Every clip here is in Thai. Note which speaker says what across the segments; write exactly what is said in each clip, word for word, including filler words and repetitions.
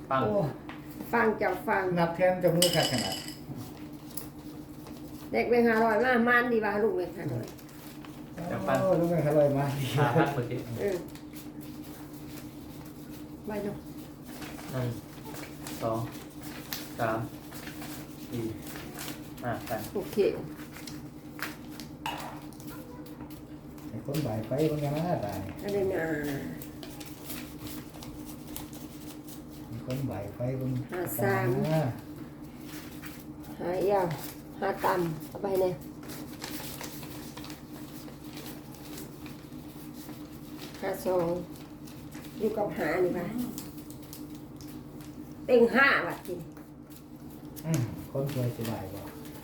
Speaker 1: ฟัง
Speaker 2: โอ้
Speaker 3: ฟังจับฟัง
Speaker 2: นับแทนจะมือขาดขนาด
Speaker 3: เด็กเป็นห้าร้อยมากมันดีว่าลูกเป็นห้าร้อย
Speaker 2: โอ้ลูกแม่อร่อยมาก
Speaker 1: หาพันเมื่อกี้
Speaker 3: เออไปเนาะ
Speaker 1: หนึ่งสองสามสี่ห้าแปด
Speaker 3: โอเค
Speaker 2: ไอ้คนบ่ายไฟมันยังน่าตาย
Speaker 3: อะไรนะ
Speaker 2: ไอ้คนบ่ายไฟมัน
Speaker 3: หาสามหายาวหาต่ำเอาไปเนี่ยหาสองอยู่กับหานี่ป่ะเต็งห้าบาทจริง
Speaker 2: อืมคนสวยสบายกว่า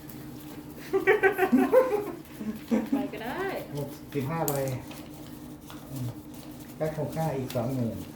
Speaker 4: ไปก็ได้
Speaker 2: หกสิบห้าใบอืมก็คงค่าอีกสองหมื่น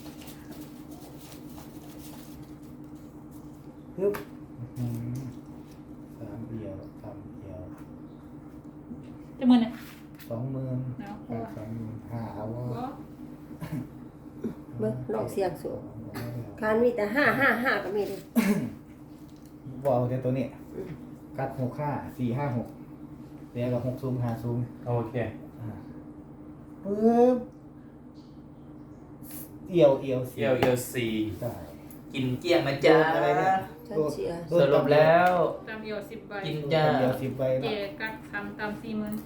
Speaker 2: ปึ๊บอื้อหือสามเดียวสามเดียว
Speaker 4: จะมือเนี่ย
Speaker 2: สองหมื่น
Speaker 4: เนาะเพ
Speaker 2: แป
Speaker 4: ราะ
Speaker 2: ด
Speaker 4: ว่า
Speaker 2: สองหมื่นห้าเอาว่า
Speaker 4: ก็
Speaker 3: เบิ้งลองเสียงสูงการมีแต่ห้าห้าห้าก็มีเลย
Speaker 2: บอลเดี๋ยวตัวนี้กัดหกห้าสี่ห้าหกเดี๋ยวกับหกซูมห้าซูม
Speaker 1: โอเค
Speaker 2: อ่าปึ๊บเอียวเอียว
Speaker 1: เอียวเอียวสี่
Speaker 2: ใช่
Speaker 1: กินเกลี้ยงนะจ๊ะ
Speaker 2: อะไรเนี่ย
Speaker 3: ฉันเชียร์
Speaker 1: สรุปแล้ว
Speaker 4: ตามเดียวสิบใบ
Speaker 1: กิน
Speaker 2: โดน
Speaker 1: จ้า
Speaker 2: เดียวสิบใบ
Speaker 4: เจ
Speaker 2: เนาะ
Speaker 4: กัดทำตามสี่หมื่น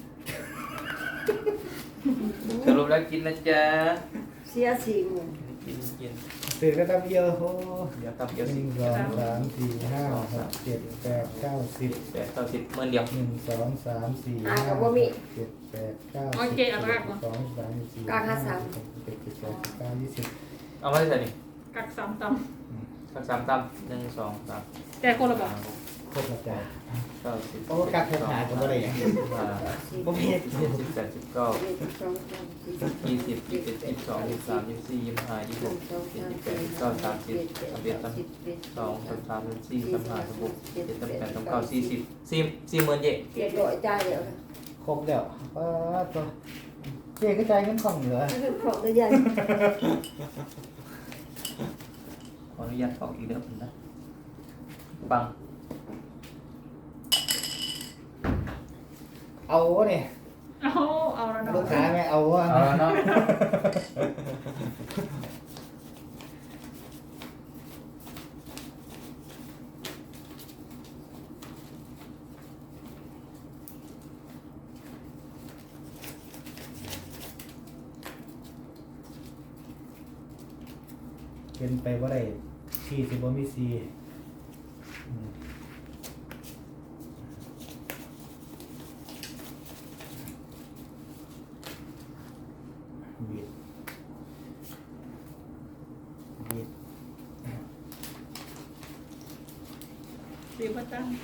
Speaker 1: สรุปแล้วกินนะจ๊ะ
Speaker 3: เสียสี่หมื่น
Speaker 1: กินกิน
Speaker 2: ตื่นก็ตั้งเอียวโอ้
Speaker 1: เดี๋ยวตับ
Speaker 2: ห
Speaker 1: เอียวสิ
Speaker 2: นึ่งสองสามสี่ห้าหกเจ็ดแปดเก้าสิบ
Speaker 1: แปดเก้าสิบหมื่นเดียว
Speaker 2: หนึ่งสองสามสี่
Speaker 3: อ่า
Speaker 2: ห้า
Speaker 3: กับว่ามี
Speaker 2: เจ็ดแปดเก้า
Speaker 4: โอ
Speaker 2: สิบ
Speaker 4: เคเอาละก่อน
Speaker 2: สองสามสี่
Speaker 3: กลางห้าสาม
Speaker 2: หกเจ็ดแปดเก้าสิบเก้ายี่สิบ
Speaker 1: เอามาได้ใส่นี่
Speaker 4: กัดสามต
Speaker 1: สักสามตั้มหนึ่งสองสาม
Speaker 4: ำแต่คนละบอก
Speaker 1: ห้าหก
Speaker 2: โคตรละใจ
Speaker 1: เก้าสิบ
Speaker 2: โอ้กัดแทบหายก็ไม่ได้อย่าง
Speaker 1: สิ
Speaker 2: นี้
Speaker 1: บห้า
Speaker 2: บ่มี
Speaker 1: สิบเจ็ดสิบแปดสิบเก้า
Speaker 3: หนึ่งสองสามสี่
Speaker 1: ยี่สิบยี่สิบเอ็ดยี่สิบสองยี่สิบสามยี่สิบสี่ยี่สิบห้ายี่สิบหกยี่สิบเจ็ดยี่สิบแปดยี่สิบเก้าสามสิบสามสิบเอ็ดสามสิบสองสามสามสามสี่สามห้าสามหกเจ็ดสามแปดสามเก้าสี่สิบสี่สี่หมื่นเย่
Speaker 3: เจ็ดร้อยจ่ายเดี๋ยวนะ
Speaker 2: ครบแล้วป้าตัวเจ๊ก็ใจายเงินของเหลือ
Speaker 3: ถ้าเป็นของตัวใหญ่
Speaker 1: ขออนุญาตออกอีกเด้อผมนะบัง
Speaker 2: เอาวะเนี่ย
Speaker 4: เอาเอาแล้วเนาะ
Speaker 2: ลูกค้าไม่เอาวะ
Speaker 1: เอาแล้วเนาะ
Speaker 2: เป็นไปว่าได้ซีสิบ่มีซีอืมบิดบิด
Speaker 4: เดี๋ยวมาตั้ง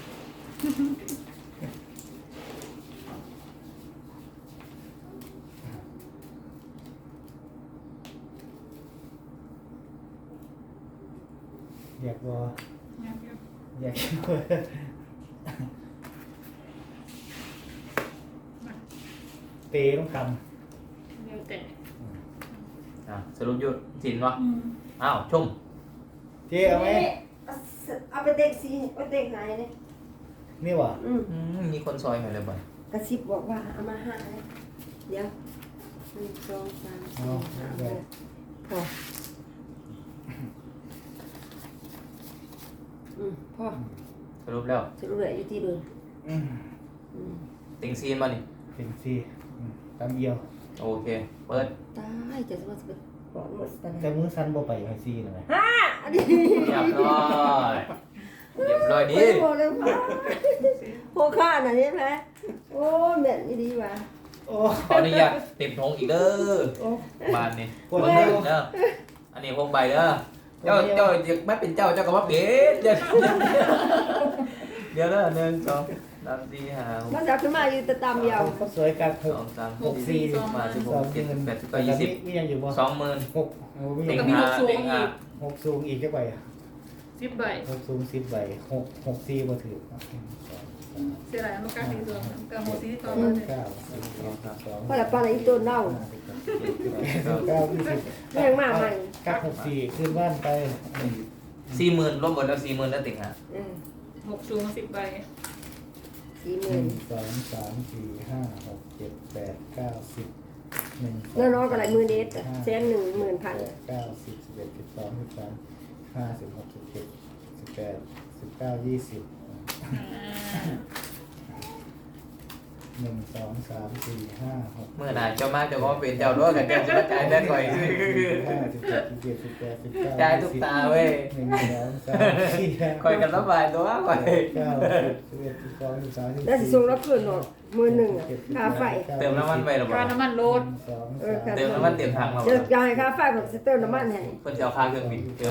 Speaker 2: อยากบ่
Speaker 4: เนี่ยเดี๋ยว
Speaker 2: อยาก
Speaker 4: มา
Speaker 2: เตะต้องท
Speaker 4: เดี๋ยวแต่
Speaker 1: อ่ะสรุปอยุดสินวะ
Speaker 4: อืม
Speaker 1: อ้าวชุ่ม
Speaker 2: ำเจ๊เอาไหม
Speaker 3: เอาไปเด็กสีไปเด็กไหนเนี่ย
Speaker 2: นี่วะ
Speaker 3: อืม
Speaker 1: อืมมีคนซอยหน่อยเลยบ่อย
Speaker 3: กระซิบบอกว่าเอามาห้าเลยเดี๋ยวหนึ่งสองสามสี่ห้าหกพออืมพอ
Speaker 1: สรุปแล้ว
Speaker 3: จะรู้เลยอยู่ที่เดิม
Speaker 2: อืม
Speaker 3: อืม
Speaker 1: ติงซีนมานี่
Speaker 2: เป็นซีอืมตามเอียว
Speaker 1: โอเค เปิด
Speaker 3: ตายจะว่าจะไปบอกหมดแต่
Speaker 2: แต่มือสั้นบ่ไปให้ซีนะไหม
Speaker 3: ห้าอันนี้
Speaker 1: เรียบร้อยเรียบร้อยดี
Speaker 3: ไม่บอกเลยพ่อโคข้าน่ะนี่ไหมโอ้แม่นนี่ดีว่ะ
Speaker 2: โอ้
Speaker 1: ขออนุญาตติดทงอีกเด้อ
Speaker 2: โอ้
Speaker 1: บานนี่
Speaker 2: กด
Speaker 1: เบิ่ง
Speaker 2: ได้
Speaker 1: เด้อเด้ออันนี้พกใบเด้อเจ้าเจ้าอยากไม่เป็นเจ้าเจ้าก็มาเป็นเดี๋ยวเดี๋ยวเด้อหนึ่งสองสามสี่ห้าหก
Speaker 3: มันจะขึ้นมาอยู่แต่ตามยาว
Speaker 2: เขาสวยกันห
Speaker 1: ส
Speaker 2: ก
Speaker 1: องสาม
Speaker 4: หกสี่สอง
Speaker 1: มา
Speaker 4: มา
Speaker 1: สิบห
Speaker 2: สอก ง
Speaker 1: เจ็ด
Speaker 2: หมื่น
Speaker 1: แปดสิบเก้ายี่สิบ
Speaker 2: มียังอยู่บ่
Speaker 1: สองหมื่น
Speaker 2: หกโอ้มี
Speaker 1: ติง
Speaker 2: ยัง
Speaker 1: ห้าติงห้า
Speaker 2: หกสูงอีกจักใบอะ
Speaker 4: สิบใบ
Speaker 2: หกสูงสิบใบหกหกซีบ่ถือหนึ่งสอง
Speaker 4: เสียหลายมันกักดีตัวกับโมซีต่อ
Speaker 2: แป
Speaker 4: มา
Speaker 2: ด
Speaker 4: เนี่ย
Speaker 2: เก้าสิบสิบเอ็ดสิบสอง
Speaker 3: เพราะละปลาไหลตัวเน่า
Speaker 2: สิบเก้ายี่สิบ
Speaker 3: แรงมากมัน
Speaker 2: กักหกสี่ขึ้นบ้านไป
Speaker 1: สี่หมื่นรวมหมดแล้วสี่หมื่นแล้วติ่งฮะ
Speaker 3: เออ
Speaker 4: หกสูงสิบใบ
Speaker 3: สี่ห
Speaker 2: ห
Speaker 3: มื่
Speaker 2: นึ่
Speaker 3: น
Speaker 2: งสองสามสี่ห้าหกเจ็ดแปดเก้าสิบหนึ่ง
Speaker 3: เงินน้อยกว่าหลายหมื่นเดชแสนหนึ่งหมื่นพัน
Speaker 2: เก้าสิบสิบเอ็ดสิบสองสิบสามห้าสิบหกสิบเจ็ดสิบแปดสิบเก้ายี่สิบ หนึ่งสองสามสี่ห้าหก
Speaker 1: เมื่อไหร่เจ้ามาเจ้าก็เป็นเจ้าด้วยกันเจ้าจะมาจ่ายได้ก่อย
Speaker 2: ห้าสิบเจ็ดสิบเจ็ดสิบแปดสิบเก้า
Speaker 1: จ่ายทุกตาเว้ย
Speaker 2: หนึ่งสองสามสี่ห้า
Speaker 1: คอยกันระบายตัวก่อย
Speaker 2: เก้าสิบสิบเอ็ดสิบสองสิบสามสิบ
Speaker 3: แล้วสิส่งรับคืนหรอมือหนึ่งอะค่าไฟ
Speaker 1: เติมน้ำมันไปหรอ
Speaker 4: ค่าน้ำมันรถ
Speaker 2: สอง
Speaker 3: เออ
Speaker 2: สาม
Speaker 1: เติมน้ำมันเต็มถังเรา
Speaker 3: จะจะให้ค่าไฟผมจะเติมน้ำมันให้
Speaker 1: เพื่อจะเอาค่าเครื่องบินเติม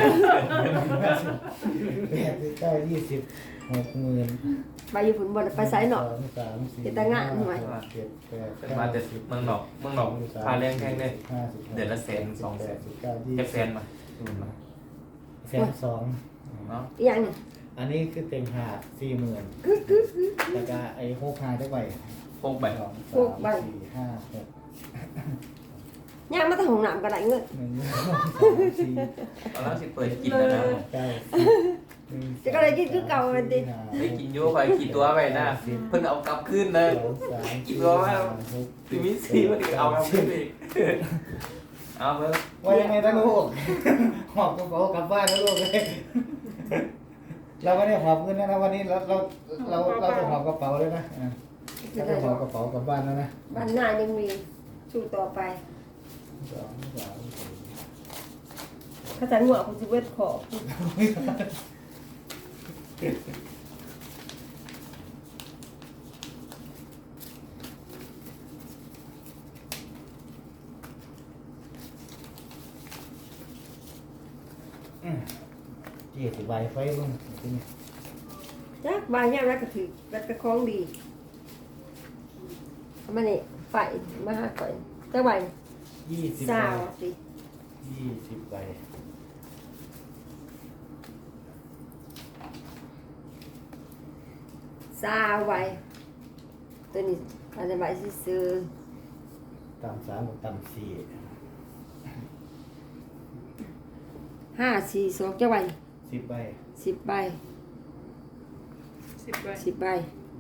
Speaker 2: แปดสิบเก้ายี่สิบหกหมื่น
Speaker 3: ไปอยู่ฝุ่นบนไปไซน์หนอ
Speaker 2: สองสามสี่
Speaker 3: เจ็ดตะงะหน่อย
Speaker 2: ห้าหกเจ็ดแปด
Speaker 1: เป็น
Speaker 2: เก้า
Speaker 1: มาแต่
Speaker 2: สิบ
Speaker 1: เมืองนอกเมืองนอกค่าแรงแพงเลย
Speaker 2: ห้าสิบหก
Speaker 1: เดือนละแสนสองแสน
Speaker 2: สิบเก้ายี่
Speaker 1: จะ
Speaker 2: สิบ
Speaker 1: แสนมาดูมา
Speaker 2: แสนสอง
Speaker 1: เนาะ
Speaker 3: อีกอย่างหนึง
Speaker 2: อันนี้คือเต็งหาสี่หมื่นแล้วก็ไอ้หกหาได้ไป
Speaker 1: พกใบ
Speaker 2: สองสามสี่ห้าหก
Speaker 3: ย่างมาแต่ห้องน้ำก็ได้เงิน
Speaker 2: หนึ่งสองสามสี่
Speaker 1: ตอนนั้นสิเปิดกินแล้วนะ
Speaker 2: เก้าสิบหนึ่ง
Speaker 3: จะก็เลยกินคือเก่ามันดิ
Speaker 2: สี่ห้า
Speaker 1: ไม่กินโย่คอยกินตัวไปนะเพิ่นเอากลับขึ้นเลย
Speaker 2: สองสาม
Speaker 1: กินตัวว่าซีมิซีมันเอากลับขึ้นอีกเอาเพิ่ม
Speaker 2: ว่ายังไงนะลูกหอบกระเป๋ากลับบ้านนะลูกเลยเราไม่ได้หอบเงินนะวันนี้เราเราเราเราจะหอบกระเป๋าเลยนะอ่ะเราจะหอบกระเป๋ากลับบ้านแล้วนะ
Speaker 3: บ้านหน้ายังมีสู้ต่อไป
Speaker 2: สองสามสี่
Speaker 3: ข้าจะหัวคุณจะเวทขอ
Speaker 2: ยี่สิบใบไฟบ้างที่นี่
Speaker 3: จักบางอย่างรักกระถือรักกระคล้องดีเอามานี่ไฟมาหาก่อนจักใบ
Speaker 2: ยี่สิบ
Speaker 3: สา
Speaker 2: ใบ
Speaker 3: วสิ
Speaker 2: ยี่สิบใบ
Speaker 3: สาวใบตัวนี้อาจจะใบซื้อ
Speaker 2: ต่ำสามกับต่ำสี่
Speaker 3: ห้าสี่สองจักใบ
Speaker 2: สิบใบ
Speaker 3: สิบใบ
Speaker 4: สิบใบ
Speaker 3: สิบใบ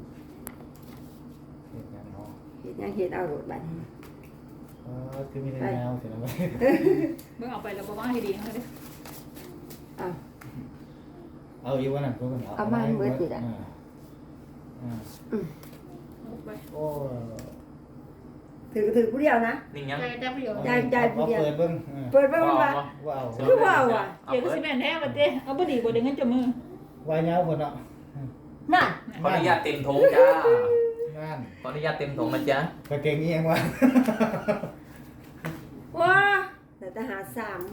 Speaker 2: เห็นยังเนาะ
Speaker 3: เห็นยังเห็นเอาโดดบัตร
Speaker 2: เออคือมีแต่แนวเสียนะเว้ย
Speaker 4: เมื่อเอาไปแล้วบอกว่าให้ดีเขาเลย
Speaker 3: เอา
Speaker 2: เอาอีกวันนั้นก็เอา
Speaker 3: เอามาให้เบิดนี่แหละ
Speaker 2: อ่าอ่า
Speaker 4: หกใบ
Speaker 2: โอ้
Speaker 3: ถือถือผู้เดียวนะ
Speaker 1: นิ่งยัง
Speaker 4: ใจแต้มประโยชน์
Speaker 3: จ่ายจ่ายผู้
Speaker 2: เอา
Speaker 3: เดียว
Speaker 2: เปิดเบิ้งอ่า
Speaker 3: เปิดไปมันว่า
Speaker 2: ว้าว
Speaker 3: คือว่าวอ่ะ
Speaker 4: เดี๋ยวก็สิแม่นแท้มาเต้เอาบ่ดีบ่เดี๋ยวงั้นจะมือ
Speaker 2: วายเงาคนเนาะ
Speaker 3: น่ะ
Speaker 1: ขออนุญาตเต็มถุงจ้า
Speaker 2: งาน
Speaker 1: ขออนุญาตเต็มถุงนะจ๊ะ
Speaker 2: กระเกงนี้เองวะ
Speaker 3: ว้าแต่ทหารสาม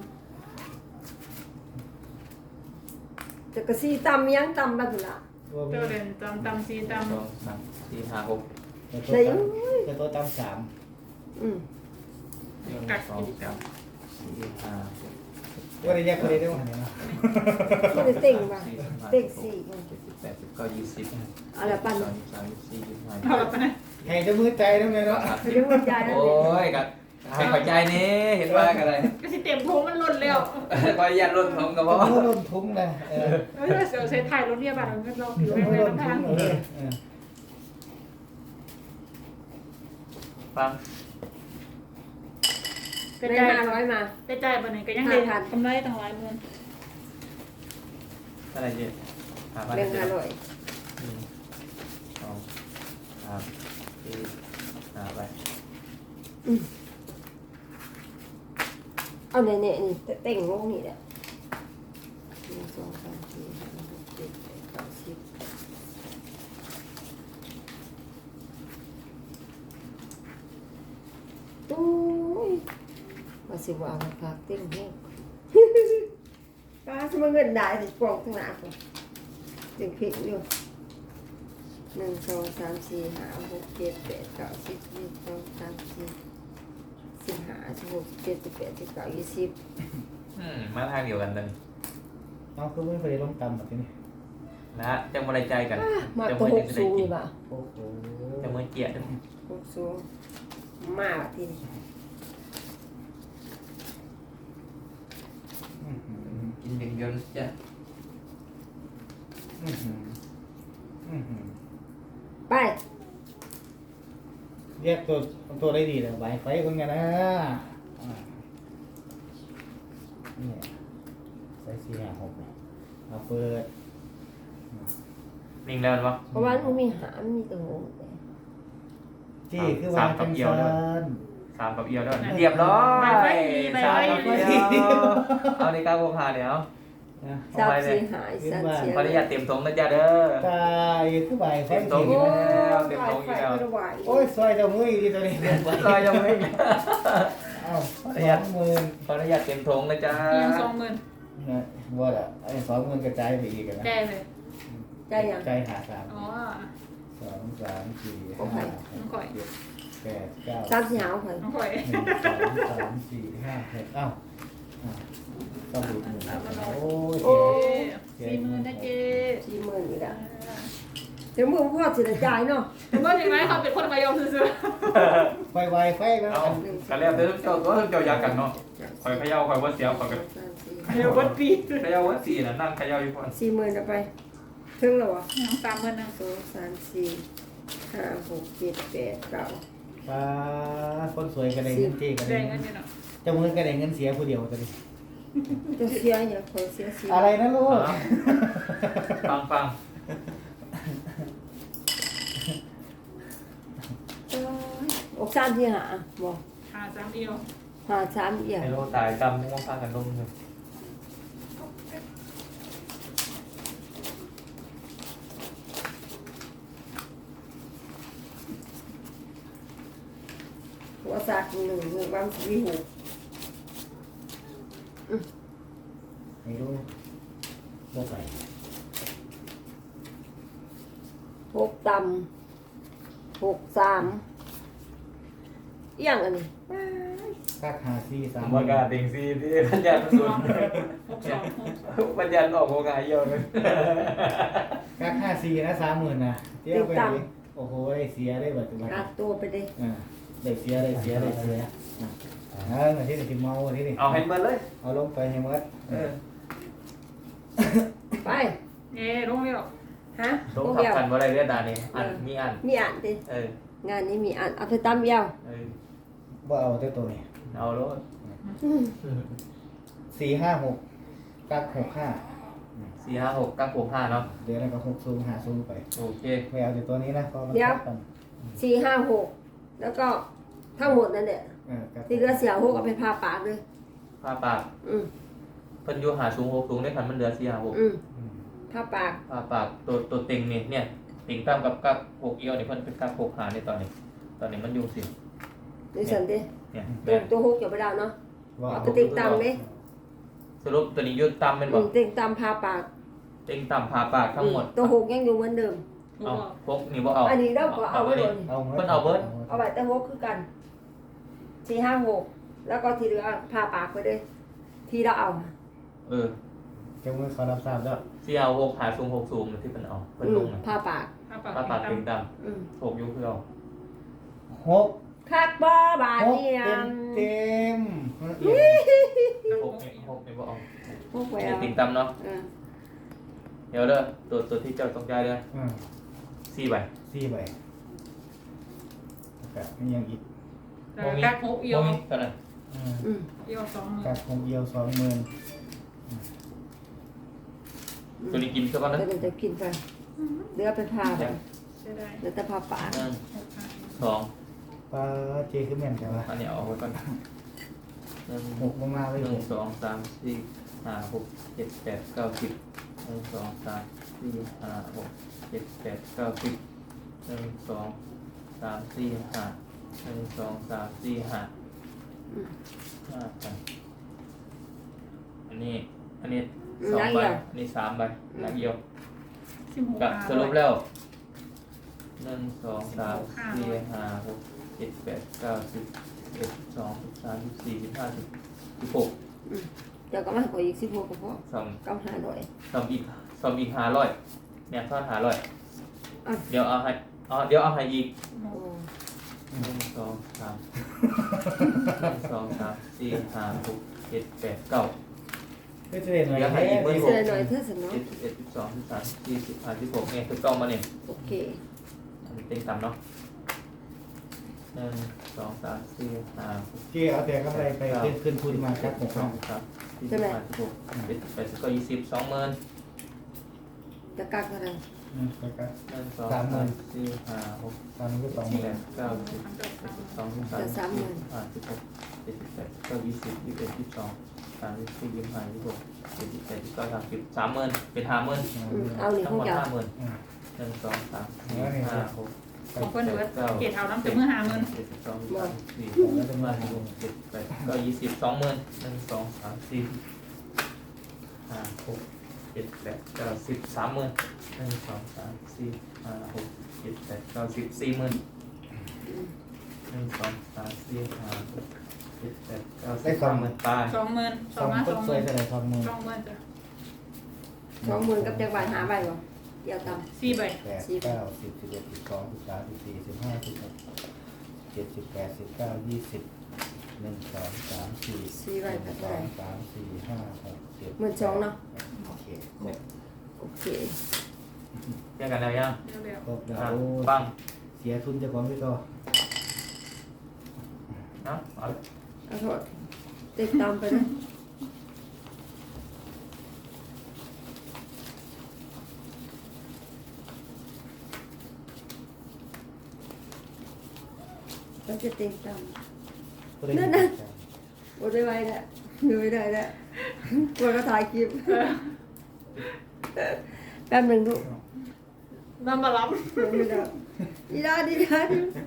Speaker 3: จะกระซีตำยังตำบ้างละ
Speaker 2: ตัวมี
Speaker 4: เจ้าเล่นตำตำซีต
Speaker 1: สองสามสี่ห้าหก
Speaker 2: แต่ตัวตั้งแต่ตัวตั้งสาม
Speaker 3: อืม
Speaker 1: หนึ่งสองสามสี่ห้าหก
Speaker 2: ว่าได้แยกคนได้ด้วยวะเนี่ยเนาะ
Speaker 3: ไม่ได้เต็งป่ะ
Speaker 1: สี่สิบห้า
Speaker 3: เต็งสี่
Speaker 1: เจ็ดสิบแปดสิบเก้ายี่สิบ
Speaker 3: เอาละปัน
Speaker 1: สองสามสี่ยี่สิบห้า
Speaker 4: ำเอาละไปนะ
Speaker 2: ให้จะมือใจน้ำเลยเนาะ
Speaker 3: เรื่องหัวใจนั่น
Speaker 1: โอ้
Speaker 3: เอง
Speaker 1: ยกับให้ขอใจนี้เห็นว่ากันอะไร
Speaker 4: ก็สิเต็มโถมันหล่นแล้ว
Speaker 1: ขออนุญาตลดถุงกับ
Speaker 2: ก็
Speaker 1: พ่อ
Speaker 2: มือล้นทุ้งเลยเออ
Speaker 4: เฮ้ยเสียวใช้ถ่ายรถเรียบอ่ะมันเราผิว
Speaker 2: มือ
Speaker 4: แรง
Speaker 2: ล้น
Speaker 4: ๆ
Speaker 2: ทุ้
Speaker 4: ทาง ง
Speaker 2: เลยเออ
Speaker 1: ฟัง
Speaker 4: กระ
Speaker 3: ได้
Speaker 4: จาย
Speaker 3: ห้าร้อยมา
Speaker 4: กระจายไปไหนก็ยังได้กำไรตั้งหลายหมื่น
Speaker 1: อะไรเจ๊หาพัน
Speaker 3: เรื่อง
Speaker 1: เจ็
Speaker 3: ห้า
Speaker 1: ด
Speaker 3: ร้อย
Speaker 1: หนึ่งสองสามสี่ห้าไป
Speaker 3: เอาเนี่ยเนี่ยนี่เต็งลงนี่แหละหนึ่งสองสามสี่ห้าหกเจ็ดแปดเก้าสิบตู้ยมาสิว่าราคาเต็งแห้ง ป้าสมเงินได้สิกล่องข้างหน้าผมเต็งผิดอยู่หนึ่งสองสามสี่ห้าหกเจ็ดแปดเก้าสิบสิบสองสามสี่สิบห้าสิบหกสิบเจ็ดสิบแปดสิบเก้ายี่สิบ
Speaker 1: อืมมาทางเดียวกันเลย
Speaker 2: เอาคือไม่เคยลงต่ำแบบนี้
Speaker 1: ลนะจังบริใจกัน
Speaker 3: มา
Speaker 1: จัง
Speaker 3: ตัว
Speaker 1: มื
Speaker 3: ห
Speaker 1: จั
Speaker 3: ก
Speaker 1: งจะ
Speaker 3: สู
Speaker 1: ได้
Speaker 3: ง
Speaker 1: กิ
Speaker 3: นี่
Speaker 1: น
Speaker 3: บ่ะ
Speaker 2: โอ้โห
Speaker 1: จังมือเกียด
Speaker 3: หกสูงมาละทีนี้
Speaker 2: อื้อหือ
Speaker 1: กินอย่างเดียวนะจ้ะ
Speaker 2: อื้อหืออื้อหือ
Speaker 3: ไป
Speaker 2: แยกตัวตัวได้ดีเลยไวไฟเป็นไงนะอ่าเนี่ยใส่สี่ห้าหกเนี่ยเอาเปิด
Speaker 1: นิ่งแล้วปะ
Speaker 3: เพราะว่ามันมีหามมีตัวงง
Speaker 2: จี้คือว่าจังซัน
Speaker 1: สามกับเอียวด้วยเรียบร้อยสามกับเอียวเอาในก้าวโคคาเดี๋ยว
Speaker 2: นะ
Speaker 3: ทราบสีหายสันเชีย
Speaker 1: ขออนุญาตเตรียมทงนะจ๊ะเด้อ
Speaker 2: ตายคือไวไฟ
Speaker 1: เต็มโต๊ะ
Speaker 2: จริง
Speaker 1: แล้วเต็ม
Speaker 3: ไฟ
Speaker 1: โต๊ะ
Speaker 3: ไฟ
Speaker 1: อีกแล้ว
Speaker 3: กระไหว
Speaker 2: โอ้ยซอยเจ้ามือดีตัวนี้เต็มไว
Speaker 1: ซอยยังไม่
Speaker 2: เอ้าสองหมื่น
Speaker 1: ขออนุญาตเตรียมทงนะจ๊ะ
Speaker 4: เอียงสองหมื่น
Speaker 2: นะว่าอ่ะไอ้สองหมื่นกระจายไปอีกนะ
Speaker 4: แก้เลย
Speaker 3: ใจยัง
Speaker 2: ใจหาสาม
Speaker 4: อ๋อ
Speaker 2: สองสามสี่
Speaker 3: โอเค
Speaker 2: ห้า
Speaker 4: น้องข่อย
Speaker 2: เจ็ดแปดเก้า
Speaker 3: สามสีหาวข่อย
Speaker 4: น้องข่อย
Speaker 2: หนึ่งสองสามสี่ห้าหกเอ้าอ่ะต้องดูหนึ่งโอ้ย
Speaker 4: โอ้สี่หมื่นนะเจ๊
Speaker 3: สี่หมื่นอีกแล้วเดี๋ยวมึงพ่อสิได้จ่ายเนาะ
Speaker 4: เมื่อเห็นไหมเขาเป็นคนมายอมซื้อ
Speaker 2: ไฟไวไฟแล้ว
Speaker 1: เอากันแล้วเด้อเจ้าตัวเจ้ายากันเนาะคอยเขย่าคอยว่าเสียวคอยกัน
Speaker 3: สามสี่
Speaker 4: เดี๋ยววัดปี
Speaker 1: เขย่าว่าสี่น่ะนั่งเขย่าอยู่ก่อน
Speaker 3: สี่หมื่นเอาไปถึงแล้ววะ
Speaker 4: น้องสามหมื่นหนึ่ง
Speaker 3: สองสามสี่ห้าหกเจ็ดแปดเก้า
Speaker 2: ป้าคนสวยกระเด็นเงินเจ๊กระ
Speaker 4: แด
Speaker 2: เด็
Speaker 4: ง
Speaker 2: น
Speaker 4: กันอยู่เนาะ
Speaker 2: เจ้ามือกระเด็นเงินเสียผู้เดียวตัวนี้
Speaker 3: จะเสียอย่าขอเสียสี่
Speaker 2: อะไรนะลูก
Speaker 1: ฟังฟัง
Speaker 3: โอ้ยอกสามที่หาบอก
Speaker 4: หาสามเอียว
Speaker 3: หาสามเอี่ย
Speaker 1: ไอ้โลตายจำม่วงพากันลงเลย
Speaker 3: หัวสากหนึ่งหนึ่งวันสี่หก
Speaker 2: ไม่รู้บ่ใส่
Speaker 3: หกต่ำหกสามเอี่ยงอันนี้
Speaker 2: กักหาสี่สาม
Speaker 1: บรรยากาศติงซีที่บรรยากาศสุด
Speaker 4: หกสองหก
Speaker 1: บรรยากาศออกโอกาสเยอะเลย
Speaker 2: กักห้าสี่นะสามหมื่นนะเที่ยวไปดิโอ้โหได้เสียได้แบบตัว
Speaker 3: อัดตัวไปเลย
Speaker 2: อ่าได้เสียได้เสียได้เสียอ่ะอ่าที่นี่ที่เมาที่นี่
Speaker 1: เอาให้เบิร์เลย
Speaker 2: เอาลงไปให้หมด
Speaker 1: เออ
Speaker 3: ไป
Speaker 4: เอ๊ะลงเรียว
Speaker 3: ฮะ
Speaker 1: ต้อง
Speaker 3: พวก
Speaker 1: ขับ
Speaker 3: เดียว
Speaker 1: กันว่าอะไรเรียกดานี่อันมีอัน
Speaker 3: มีอ่านดิ
Speaker 1: เออง
Speaker 3: านนี้มีอ่านเอาไปตามเดียว
Speaker 1: เออ
Speaker 2: ว่าเอาแต่ตัวนี้
Speaker 1: เอาโลด
Speaker 3: อืม
Speaker 2: สี่ห้าหกกักหกห้า
Speaker 1: สี่ห้าหกเก้าหกห้าเนาะ
Speaker 2: เดี๋ยวแล้วก็หกซูมหาซูมไป
Speaker 1: โอเค
Speaker 2: ไม่เอาแต่ตัวนี้นะก็มันทับกัน
Speaker 3: สี่ห้าหกแล้วก็ทั้งหมดนั่นแหละ
Speaker 2: เออกัก
Speaker 3: ที่เหลือเสียหกเอาไปพาปากเลย
Speaker 1: ผ้าปาก
Speaker 3: อืม
Speaker 1: เพิ่นอยู่หาสูงหกสูงได้คันมันเหลือสี่ห้าหก
Speaker 3: อืม
Speaker 2: อืม
Speaker 3: พาปาก
Speaker 1: ผ้าปากตัวตัวเต็งนี่เนี่ยเต็งตามกับกับหกเอียวเนี่ยเพิ่นเป็นกับหกหาในตอนนี้ ตอนนี้มันอยู่สิ
Speaker 3: ดูสันดิ
Speaker 1: เนี่ย
Speaker 3: ตัวตัวหกอย่าไปดาวเนาะ
Speaker 2: ว่า
Speaker 3: เอา
Speaker 2: เอา
Speaker 3: ไปติงตามเลย
Speaker 1: สรุปตัวนี้อยุดตามเป็นบ
Speaker 3: อื
Speaker 1: อก
Speaker 3: มติงตามพาปาก
Speaker 1: เต็งตามผ้าปากทั้งหมด
Speaker 3: อืตัวหกยังอยู่เหมือนเดิม
Speaker 1: เอาพกนี่บ่เอา
Speaker 3: อันนี้เราก็เอาไว้โดน
Speaker 2: เอาหมด
Speaker 1: เพิ่นเอาเบิด
Speaker 3: เอาไว้แต่หกคือกันสี่ห้าหกแล้วก็ทีเหลือพาปากไปเลยที่เราเอา
Speaker 1: เออ
Speaker 2: เจ้ามือเขารับทราบแล้ว
Speaker 1: สี่ห้าหกหาสูงหกสูงที่เพิ่นเอาเพิ่น
Speaker 3: อื
Speaker 1: ล
Speaker 3: ม
Speaker 1: งนะ
Speaker 3: พาปาก
Speaker 4: ผ้าปาก
Speaker 1: ผ้าปากเต็งตาม
Speaker 3: อืม
Speaker 1: หกอยุคือเอา
Speaker 2: หก
Speaker 3: คักบ่บาท
Speaker 2: หก
Speaker 3: เนี่ย
Speaker 2: เต็มเต็ม
Speaker 1: หกนี่หกนี่บ่เอา
Speaker 3: หกไว้
Speaker 1: นี่
Speaker 3: เอา
Speaker 1: เต็งตามเนาะ
Speaker 3: อืม
Speaker 1: เดี๋ยวเด้อตัวตัวที่เจ้าต้องจ่ายเด้อ
Speaker 2: อืม
Speaker 1: สี่ใบ
Speaker 2: สี่ใบแล้วก็มียังอีก
Speaker 4: กักหกเอียว
Speaker 1: บ่มีเท่านั้น
Speaker 2: อืม
Speaker 3: อืม
Speaker 4: เอียวสองหมื่น
Speaker 2: กักคงเอียวสองหมื่น
Speaker 1: ตัวนี้กินซะก่อน
Speaker 3: ก็
Speaker 1: นะ
Speaker 3: เดี๋ยวจะกินไปเหลือไปพาไป
Speaker 4: ใช่ได้
Speaker 3: เหลือแต่พาปาก
Speaker 1: หนึ่ง
Speaker 4: หกห้า
Speaker 1: สอง
Speaker 2: ปลาเจคือแม่นใช่ปะ
Speaker 1: อันนี้เอาไว้ก่อนหนึ่ง
Speaker 2: หกลงมาเลย
Speaker 1: หนึ่งสองสามสี่ห้าหกเจ็ดแปดเก้าสิบหนึ่งสองสามสี่ห้าหกเจ็ดแปดเก้าสิบหนึ่งสองสามสี่ห้าหนึ่งสองสามสี่ห้า
Speaker 3: อืม
Speaker 1: ห้าพันอันนี้อันนี้สองใบอันนี้สามใบนักเดียว
Speaker 4: สิบหก
Speaker 1: กับสรุปแล้วหนึ่งสองสามสี่ห้าหกเจ็ดแปดเก้าสิบเอ็ดสองสิบสามสิบสี่สิบห้าสิบสิบหก
Speaker 3: เดี๋ยวก็มาขออีกสิบหกก็พอ
Speaker 1: สอง
Speaker 3: เก้าห้าร้อย
Speaker 1: สองอีกสองอีกห้าร้อยเนี่ยทอดหาร้อย
Speaker 3: อ่ะ
Speaker 1: เดี๋ยวเอาให้เอาเดี๋ยวเอาให้อีก
Speaker 4: หก
Speaker 3: โอ้
Speaker 1: หนึ่งสองสามหนึ่งสองสามสี่ห้าหกเจ็ดแปดเก้า
Speaker 2: ก็จะเห็นหน่อย
Speaker 1: เดี๋ยวให้อีกเบอร์
Speaker 3: เสื้อหน่อยเธอสนอ
Speaker 1: เจ็ดสิบเอ็ดสิบสองสิบสามสี่สิบห้าสิบหกเนี่ยคือต้องมาเนี่ย
Speaker 3: โอเค
Speaker 1: อันนี้เต็งต่ำเนาะหนึ่งสองสามสี่ห้าหก
Speaker 2: เจ๊เอาแต่กำไรไปขึ้นขึ้นทุนมาครับหก
Speaker 1: ส
Speaker 2: ห้า
Speaker 1: องสามสี่สิบห้าสิบหกเจ็ดสิบแปดสิบเก้ายี่สิบสองหมื่น
Speaker 3: จะกักอะไร
Speaker 2: อืมไปกัน
Speaker 1: หนึ่งสองสามสี่ห้าหก
Speaker 2: ตอนนี้ก็สองห
Speaker 1: สิบ
Speaker 2: มื่น
Speaker 1: แปดเก้าสิบสิบสองสิบสามสิบสี่ห้าสิบหกเจ็ดสิบแปดสิบเก้ายี่สิบยี่สิบเอ็ดยี่สิบสองสามสิบสี่ยี่สิบห้ายี่สิบหกเจ็ดสิบแปดสิบเก้าสามสิบสามหมื่นเป็นห้าหมื่น
Speaker 3: อืมเอาหนึ่ง
Speaker 1: ทั้ง
Speaker 3: ของ
Speaker 1: หมด
Speaker 3: เจ้า
Speaker 1: ห้าหมื่น
Speaker 2: อืม
Speaker 1: หนึ่งสองสามสี่ห้าหก
Speaker 4: ของคนเบิร์ดเกตเอาน้ำจะเมื่อหาเงิน
Speaker 1: เจ็ดสิบสองสามสี่หกสิบห้าสิบหกเจ็ดแปดเก้ายี่สิบสองหมื่นหนึ่งสองสามสี่ห้าหกเจ็ดแปดเก้าสิบสามหมื่นหนึ่งสองสามสี่ห้าหกเจ็ดแปดเก้าสิบสี่หมื่นหนึ่งสองสามสี่ห้าหกเจ็ดแปดเก้าสิบสามหมื่นตาย
Speaker 4: สองหมื่นส
Speaker 2: ส
Speaker 4: อ
Speaker 2: อง ง
Speaker 4: มา
Speaker 2: ก็
Speaker 4: สองห
Speaker 2: สว
Speaker 4: มื่
Speaker 2: ย
Speaker 4: น
Speaker 2: เท่าไหร่สองหมื่น
Speaker 4: สองหมื่นจ้ะ
Speaker 3: สองหมื่นกับจักรบาทหาใบบ่เดี๋ยวต
Speaker 4: สี่ใบ
Speaker 2: แปดเก้าสิบสิบเอ็ดสิบสองสิบสามสิบสี่สิบห้าสิบหกเจ็ดสิบแปดสิบเก้ายี่สิบหนึ่งสองสามสี่
Speaker 3: ำสี่ใบ
Speaker 2: ห
Speaker 3: กั
Speaker 2: นึ่
Speaker 3: บ
Speaker 2: ง
Speaker 3: เท่า
Speaker 2: ส
Speaker 3: ไห
Speaker 2: อ
Speaker 3: ร่
Speaker 2: งสามสี่ห้าหกเจ็ด
Speaker 3: หมื่นสองเนาะ
Speaker 2: โอเคครบ
Speaker 3: โอเค
Speaker 1: แยกกันแล้วยัง
Speaker 4: เร็ว
Speaker 2: ครบแล้
Speaker 1: อ่ะ
Speaker 2: ว
Speaker 1: ปัง
Speaker 2: เสียทุนเจะของพี่ต่อ
Speaker 1: เนาะเอา
Speaker 3: เอาโทษติดตามไปนะเราจะติดตาม นั่นน่ะ โอ้ได้ไว้แล้วดูไม่ได้แล้วกลัวก็ถ่ายคลิปแป๊บหนึ่งลูก
Speaker 4: ๆน้ำมาล้
Speaker 3: ดูไม่ได้ดีได้ดีได้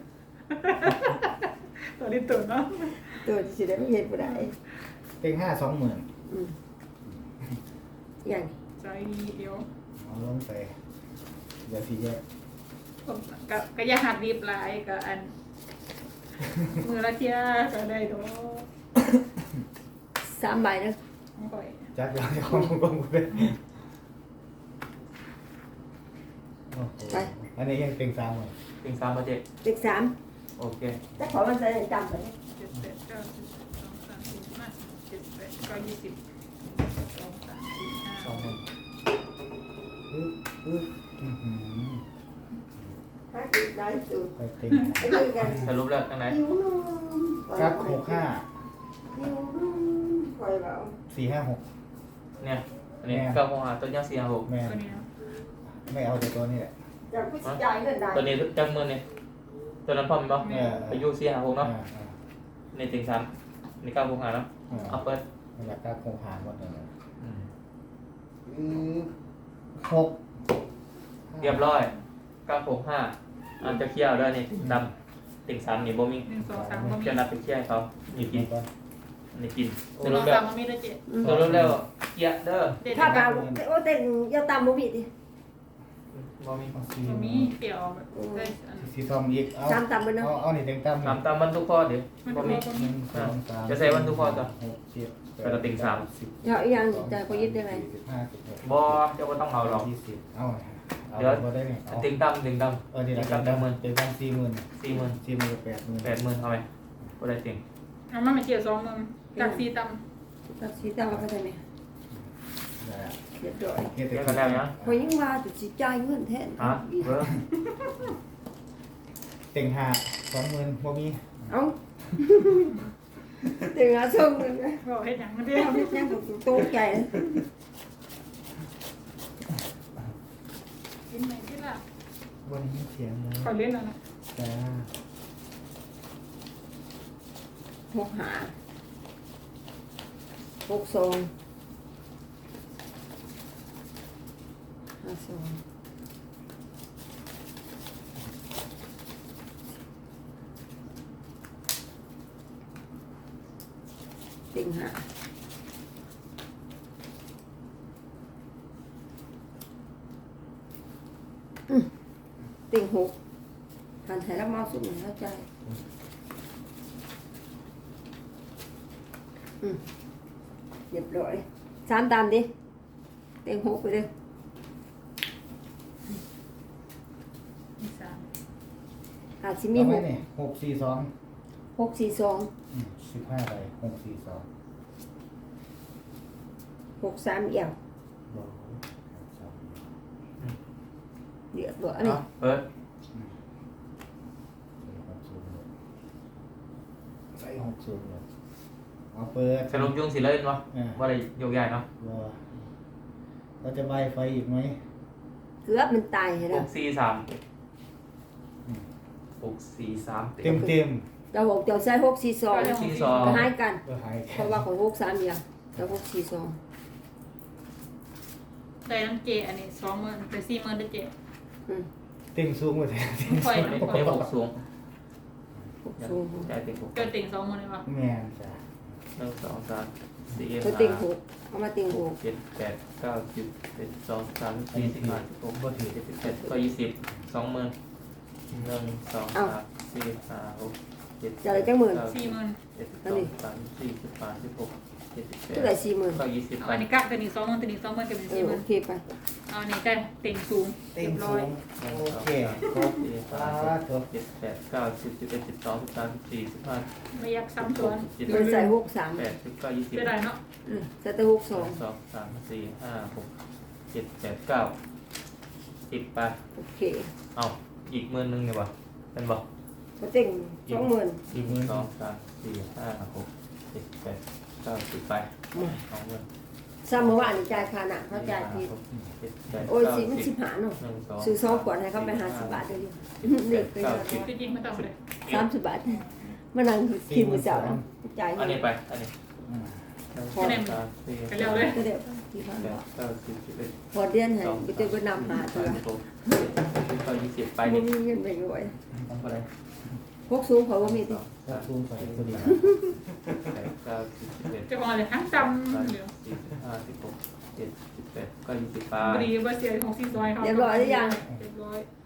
Speaker 4: ำตัวนี้ตื่นเนาะ
Speaker 3: ตัวสิได้ไม่เห็นบ่ได้
Speaker 2: เต็งห้าสองหมื่น
Speaker 3: อืมอย่าง
Speaker 4: ใจดีเดียว
Speaker 2: เอาลงไปเดี๋ยวพี่แยก
Speaker 4: ผมก็ก็อย่าหัดรีบหลายกับอันมือละเทียก็ได้ดอก
Speaker 3: สามใบนะ
Speaker 4: ของข่อย
Speaker 2: จัดยาวจะของกงกูเลยโอ้โหอันนี้ยังเต็งสามหมื่น
Speaker 1: เต็งสามประเจ็ด
Speaker 3: เด็กสาม
Speaker 1: โอเค
Speaker 3: แต่ขอมันใส่จำไปนะ
Speaker 4: เจ็ดแปดเก้าสิบสิบสองสามสี่ห้าสิบเจ็ดแปดเก้ายี่สิบสองสามสี่ห้า
Speaker 1: สองหมื่น
Speaker 2: อึ๊บอึ๊บอื้อหือ
Speaker 3: ถ้ากินได้สูง
Speaker 2: ไปเต็ง
Speaker 3: ไปดูกัน
Speaker 1: สรุปแล้วตั้งไหน
Speaker 3: หิวนุ่ม
Speaker 2: ครับหกห้า
Speaker 3: หิวนุ่มคอยเบา
Speaker 2: สี่ห้าหก
Speaker 1: เนี่ยอันนี้เก้าโมงหาต้นยางสี่ห้าหก
Speaker 2: แม่
Speaker 4: ตัวนี้เนาะ
Speaker 2: ไม่เอาแต่ตัวนี้แหละ
Speaker 3: จะผู้ชายเงินได้
Speaker 1: ตัวนี้จังมือนี่ตัวนั้นพร้อมมั้ย
Speaker 2: เออ
Speaker 1: อายุสี่ห้าหก
Speaker 2: อ่า
Speaker 1: เนาะ
Speaker 2: อ่า
Speaker 1: ในเต็งสามในเก้าโมงหาเนาะ
Speaker 2: อ่า
Speaker 1: เอาเปิด
Speaker 2: มันอยากได้โครงหางหมดเลย
Speaker 1: อืม
Speaker 2: อือหก
Speaker 1: เรียบร้อยเก้าหกห้าอันจะเคี่ยวด้วยนี่ดำเต็งสามนี่บ่มี
Speaker 4: หนึ่งสองสามก็มี
Speaker 1: จะนับไปเคี่ยวให้เขานี่กิน
Speaker 2: ก่อน
Speaker 1: นี่กิน
Speaker 4: ห
Speaker 1: ส
Speaker 4: นึ่งส
Speaker 1: รุ
Speaker 4: อ
Speaker 1: ป
Speaker 4: ง
Speaker 1: แล้
Speaker 4: สาว มก็มีด้วยเจ็ด
Speaker 3: อืม
Speaker 1: สรุปแล้วเคี่ยวเด้อ
Speaker 4: เด็ด
Speaker 3: ถ้าเบาโอ้เต็งยาตามบ่มีดิ
Speaker 1: บ่มี
Speaker 2: เอาสี่
Speaker 4: ก็มีเปรี้ยวแบบได้อัน
Speaker 2: สีทองอีกเอา
Speaker 3: ตามตามไปเนาะ
Speaker 2: เอาเอานี่เต็งตั้ม
Speaker 1: ตามตามวันทุกข้อเดี๋ยว
Speaker 4: มัน
Speaker 1: บ่
Speaker 4: ก็
Speaker 1: มี
Speaker 4: ก็
Speaker 2: ห
Speaker 4: มี
Speaker 2: นึ่งสองสาม
Speaker 1: จะใส่วันทุกข้อจ้ะ
Speaker 2: หกเจ็ดแปด
Speaker 1: ไปกับเต็งสาม
Speaker 2: สิบ
Speaker 3: เดี๋ยวอีกอย่างจะก็ยึดได้ไหม
Speaker 2: สิบห้าสิบหก
Speaker 1: บ่เจ้าก็ต้องเอาหรอก
Speaker 2: ยี่สิบเอาเอา
Speaker 1: เดี๋ยว
Speaker 2: บ่ได้นี่เอา
Speaker 1: เต็งดำเต็งด
Speaker 2: เออนี่
Speaker 1: ำ
Speaker 2: ละ
Speaker 1: เต็ง
Speaker 2: เต็ง
Speaker 1: ดำ
Speaker 2: ตั้ม
Speaker 1: หมื่น
Speaker 2: เต็งตั้มสี่หมื่น
Speaker 1: สี่หมื่น
Speaker 2: สี่หมื่นกับแปดหมื่น
Speaker 1: แปดหมื่นเอาไหมบ่ได้เต็ง
Speaker 4: เอามามาเจียวสองหมื่นจากสี่ต
Speaker 3: ตัดสีตามมาได้ไหม
Speaker 2: ได้อะ
Speaker 3: เรียบร้อย
Speaker 2: เฮ็ด
Speaker 1: เรียก
Speaker 2: แต่
Speaker 1: กันแล้วยัง
Speaker 3: คอยยังว่าจะสิจ่ายเงินแทน
Speaker 1: ฮะเบอร์
Speaker 2: เต็งห้าสองหมื่นบ่มี
Speaker 3: เอ้าถึงอาส่งเลยนะ
Speaker 4: ำบอกเฮ็ดหยังมันเดี
Speaker 3: เดี๋
Speaker 4: ย
Speaker 3: ยว
Speaker 4: ว
Speaker 3: ไม่ยังถูกตกใจ
Speaker 4: กินไหมที่ละ
Speaker 2: วันนี้เสียงเลย
Speaker 4: ขอเล่นแล้วนะ
Speaker 2: จ้า
Speaker 3: หกหาหกสองห้าสองติงหาอืมติงหกหันไทยแล้วมาสุดหนึ่งเข้าใจอืมเรียบร้อยสามตามดิเต็งหกไปเลยอาจจะมี
Speaker 2: เอาไห
Speaker 3: ห
Speaker 2: ม
Speaker 3: ก
Speaker 2: เนี่ยหกสี่สอง
Speaker 3: หกสี่สอง
Speaker 2: สิบห้าใบหกสี่สอง
Speaker 3: หกสามเอี่ยว
Speaker 2: บอกสอง
Speaker 3: เดือดบ่อันนี้
Speaker 1: เอาเปิด
Speaker 2: ใส่หกศูนย์เลยเอาเปิด
Speaker 1: สรุปยุงสิเล่นวะ
Speaker 2: อ่า
Speaker 1: ว่าอะไรโยกใหญ่เนาะ
Speaker 2: รอเราจะใบไฟอีกไหม
Speaker 3: เกือบมันตายเห็น
Speaker 1: ห
Speaker 3: แล้ว
Speaker 1: กสี่สามหกสี่สาม
Speaker 2: เต็มเต็ม
Speaker 3: เจ้าหกเจ้าใส่หกสี่สอง
Speaker 1: สี่สอง
Speaker 3: ก็หายกัน
Speaker 2: ๆก็หาย
Speaker 3: เพราะว่าของหกสามเอี่ยวเจ้าหกสี่สอง
Speaker 4: ได้น้ำเจอันนี้สองหมื่นเป็นสี่หมื่นได้เจ
Speaker 3: อืม
Speaker 2: เต็งสูงกว่าแท้
Speaker 4: ค่อย
Speaker 1: ไม่
Speaker 4: นะค่อ
Speaker 1: ไม่
Speaker 4: ย
Speaker 1: หกสูง
Speaker 3: หกสูง
Speaker 1: ใจเต็งหก
Speaker 4: เกิดติ่งสองหมื่นเลยวะ
Speaker 2: แม่นจ้ะ
Speaker 1: หนึ่งสองสามสี่
Speaker 3: ก็
Speaker 1: ห้า
Speaker 3: ติงหกเอามาติงหก
Speaker 1: เจ็ดแปดเก้าสิบเอ็ดสองสามสี่สิบห้าสิบหกเจ็ดสิบแปดก็ยี่สิบสองหมื่นหนึ่งสองสามสี่ห้าหกเจ็ด
Speaker 3: จะอะไรจังหมื่น
Speaker 4: สี่หมื่น
Speaker 1: เจ็ดสิบสองสามสี่สิบห้าสิบหกเจ็ดสิบแปด
Speaker 3: เท่าไหร่สี่หมื่น
Speaker 1: ก็ยี่สิบ
Speaker 4: เอา
Speaker 1: ไป
Speaker 4: อันนี้กักตัวนี้สองหมื่นตัวนี้สองหมื่นก็เป็น
Speaker 3: เอ
Speaker 4: สี่
Speaker 3: อ
Speaker 4: หมื่
Speaker 3: โอน เคไป
Speaker 4: เอาอันนี้ได้ติ่งสูง
Speaker 2: เต็
Speaker 4: เรีย
Speaker 2: ง
Speaker 4: บร้
Speaker 2: สู
Speaker 4: อย
Speaker 2: ง
Speaker 1: หนึ่ง
Speaker 2: โอ
Speaker 1: สอง
Speaker 2: เค
Speaker 1: สาม
Speaker 2: ครบ
Speaker 1: สี่
Speaker 2: สา
Speaker 1: ห้า
Speaker 2: ธุ
Speaker 1: เจ็ดแปดเก้าสิบสิบเอ็ดสิบสองสิบสามสิบสี่สิบห้า
Speaker 4: ไม่อยากซ้ำซ้อน
Speaker 1: สิบ
Speaker 3: มันใส่หกสาม
Speaker 1: แปดสิบเก้ายี่สิบ
Speaker 4: จะได้เนาะ
Speaker 3: อืมใส่แต่หก
Speaker 1: ส
Speaker 3: ส
Speaker 1: อ
Speaker 3: อง ง
Speaker 1: สองสามสี่ห้าหกเจ็ดแปดเก้าสิบไป
Speaker 3: โอเค
Speaker 1: เอาอีกหมื่นหนึ่งเนี่ยวะเป็นบอก
Speaker 3: ก็ติงสองหมื่น
Speaker 1: อีกหนึ่งสองสามสี่ห้าหกเจ็ดแปดเก้าสิบไปสองหมื่น
Speaker 3: ซ้ำเมื่อวานนี่จ่ายค่าหนักเขาจ่ายผิด
Speaker 1: เจ็ดแปด
Speaker 3: โอ้ย
Speaker 1: เก้า
Speaker 3: สิมัน
Speaker 1: สิ
Speaker 3: สิ
Speaker 1: บบ
Speaker 3: หาเนาะ
Speaker 1: หนึ่งสอง
Speaker 3: ซื้อสองขวดให้เขาไปหาสิบบาทเดียวเด็กไปเลย
Speaker 4: จริงๆไม่ต้องเลย
Speaker 3: สามสิบบาทมานั่งกินมื้อเช้านะจ่าย
Speaker 1: อันนี้ไปอันนี้
Speaker 2: อืม
Speaker 1: หนึ่งสองสามสี่
Speaker 4: ไป
Speaker 1: ห้า
Speaker 4: เร็วเลย
Speaker 3: ก็เดี๋ยวที่พัน
Speaker 1: แปดเก้าสิบสิบเอ็ด
Speaker 3: พอเดือนให้
Speaker 1: สอง
Speaker 3: ไปเจอก็นำหาตัว
Speaker 1: สามสิบหกเจ็ดแปดเก้ายี่สิบไป
Speaker 3: บ่
Speaker 1: นี่
Speaker 3: มีเงินไปรวย
Speaker 1: ทำอะไร
Speaker 3: พวกสูงเขาบ่มีติ
Speaker 1: สาม
Speaker 2: สูงไปตัวเดียว
Speaker 1: แปดเก้าสิบสิบเอ็ด
Speaker 4: จะมองเลยทั้งจ
Speaker 1: สาม
Speaker 4: ำ
Speaker 1: สิ
Speaker 4: เดี๋ยว
Speaker 1: บสี่สิบห้าสิบหกเจ็ดสิบแปดก็ยี่สิบไป
Speaker 4: พอดีว่าเสียของซีซอยเขา
Speaker 3: เรียบร้อยหรือยัง
Speaker 4: เรียบร้อย
Speaker 1: เ